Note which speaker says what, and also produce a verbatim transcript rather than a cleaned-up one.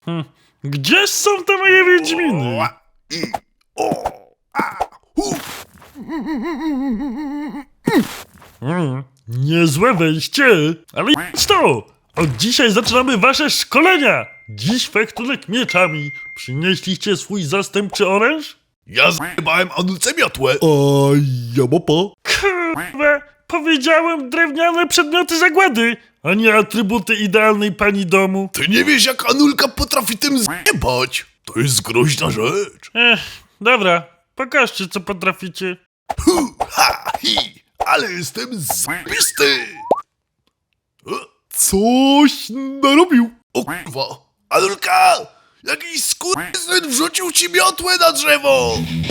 Speaker 1: Hm. Gdzie są te moje wiedźminy?
Speaker 2: O, i, o, a, hu.
Speaker 1: Mm, niezłe wejście, ale jest to! Od dzisiaj zaczynamy wasze szkolenia! Dziś fechtunek mieczami. Przynieśliście swój zastępczy oręż?
Speaker 2: Ja zjebałem Anulce miotłę.
Speaker 3: A ja mapa.
Speaker 1: Kurwa, powiedziałem drewniane przedmioty zagłady, a nie atrybuty idealnej pani domu.
Speaker 2: Ty nie wiesz, jak Anulka potrafi tym zjebać. To jest groźna rzecz.
Speaker 1: Ech, dobra, pokażcie co potraficie.
Speaker 2: Hu, ha, hi, ale jestem zbisty.
Speaker 3: Coś narobił.
Speaker 2: O kurwa, Anulka, jakiś skurwysyn wrzucił ci miotłę na drzewo.